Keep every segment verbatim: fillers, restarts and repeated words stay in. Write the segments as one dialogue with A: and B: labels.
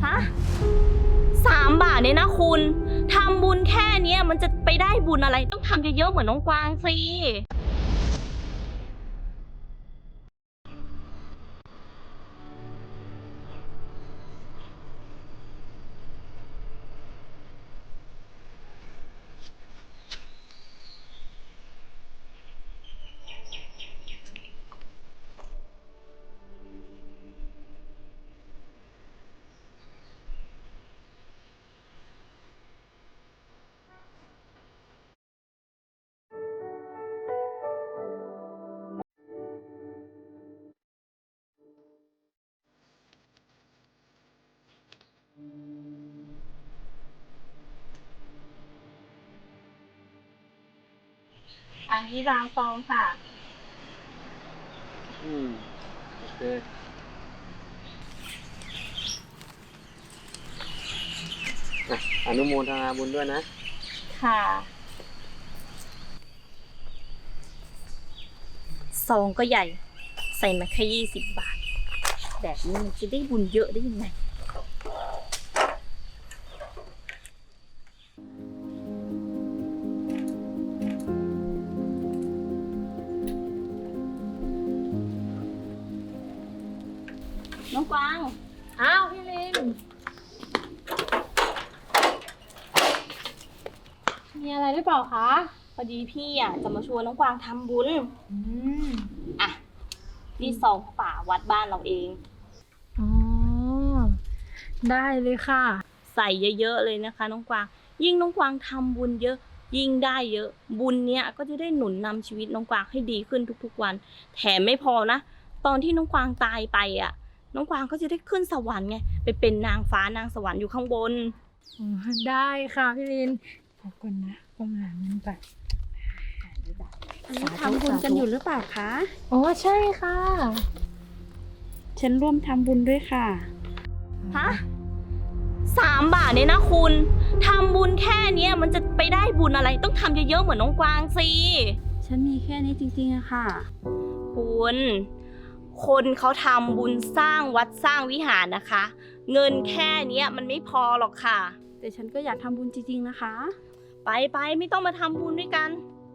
A: ฮะสามบาทเนี่ยนะคุณทำบุญแค่เนี้ยมันจะไปได้บุญอะไรต้องทำเยอะๆเหมือนน้องกวางสิอันนี้รางฟองค่ะ
B: อืมโอเคอ่ะอนุโมทนาบุญด้วยนะ
A: ค่ะซองก็ใหญ่ใส่มาแค่ยี่สิบบาทแบบนี้มันจะได้บุญเยอะได้ยังไงน้องกวาง
C: อ้าวพี่ลินมีอะไรหรือเปล่าคะ
A: พอดีพี่อ่ะจะมาชวนน้องกวางทำบุญ
C: อืม
A: อ่ะนี่ซองป่าวัดบ้านเราเอง
C: อ๋อได้เลยค่ะ
A: ใส่เยอะๆเลยนะคะน้องกวางยิ่งน้องกวางทำบุญเยอะยิ่งได้เยอะบุญเนี้ยก็จะได้หนุนนำชีวิตน้องกวางให้ดีขึ้นทุกๆวันแถมไม่พอนะตอนที่น้องกวางตายไปอ่ะน้องกวางก็จะได้ขึ้นสวรรค์ไงไปเป็นนางฟ้านางสวรรค์อยู่ข้างบน
C: อ๋อได้ค่ะพี่ลินขอบคุณนะประมาณนั้นไป
D: อันนี้ทำบุญกันอยู่หรือเปล่าคะ
C: อ๋อใช่ค่ะ
D: ฉันร่วมทำบุญด้วยค่ะ
A: ฮะสามบาทเนี่ยนะคุณทำบุญแค่เนี้ยมันจะไปได้บุญอะไรต้องทำเยอะๆเหมือนน้องกวางสิ
D: ฉันมีแค่นี้จริงๆอะค่ะ
A: คุณคนเขาทำบุญสร้างวัดสร้างวิหารนะคะเงินแค่เนี้ยมันไม่พอหรอกค่ะ
D: แต่ฉันก็อยากทำบุญจริงๆนะคะ
A: ไปไปไม่ต้องมาทำบุญด้วยกัน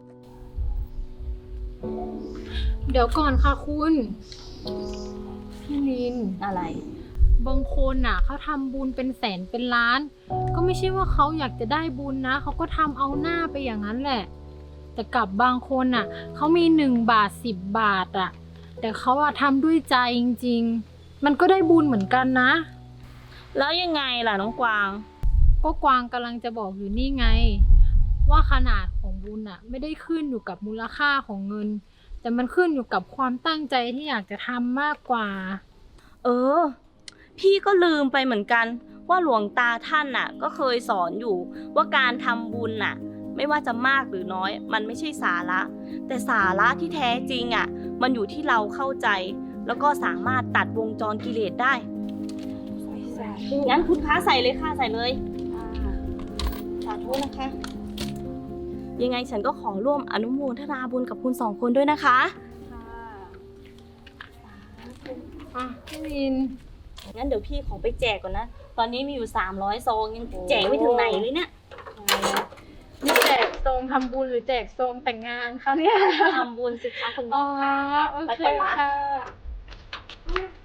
C: เดี๋ยวก่อนค่ะคุณพี่ลิน
A: อะไร
C: บางคนน่ะเขาทำบุญเป็นแสนเป็นล้านก็ไม่ใช่ว่าเขาอยากจะได้บุญนะเขาก็ทำเอาหน้าไปอย่างนั้นแหละแต่กับบางคนน่ะเขามีหนึ่งบาทสิบบาทอ่ะแต่เขาอะทำด้วยใจจริงๆมันก็ได้บุญเหมือนกันนะ
A: แล้วยังไงล่ะน้องกวาง
C: ก็กวางกำลังจะบอกอยู่นี่ไงว่าขนาดของบุญอะไม่ได้ขึ้นอยู่กับมูลค่าของเงินแต่มันขึ้นอยู่กับความตั้งใจที่อยากจะทำมากกว่า
A: เออพี่ก็ลืมไปเหมือนกันว่าหลวงตาท่านน่ะก็เคยสอนอยู่ว่าการทำบุญน่ะไม่ว่าจะมากหรือน้อยมันไม่ใช่สาระแต่สาระที่แท้จริงอ่ะมันอยู่ที่เราเข้าใจแล้วก็สามารถตัดวงจรกิเลสได้งั้นคุณค้าใส่เลยค่ะใส่เลยสาธุนะคะยังไงฉันก็ขอร่วมอนุโมทนาบุญกับคุณสองคนด้วยนะคะ
C: อ่ะพี่ลิน
A: งั้นเดี๋ยวพี่ขอไปแจกก่อนนะตอนนี้มีอยู่สามร้อยซองยังแจกไม่ถึงไหนเลยเนี่ย
C: นี่แจกซองทำบุญหรือแจกซองแต่งงานคะเนี่ย
A: ทำบุญสิคะคุณ
C: อ๋อโอเคค่ะ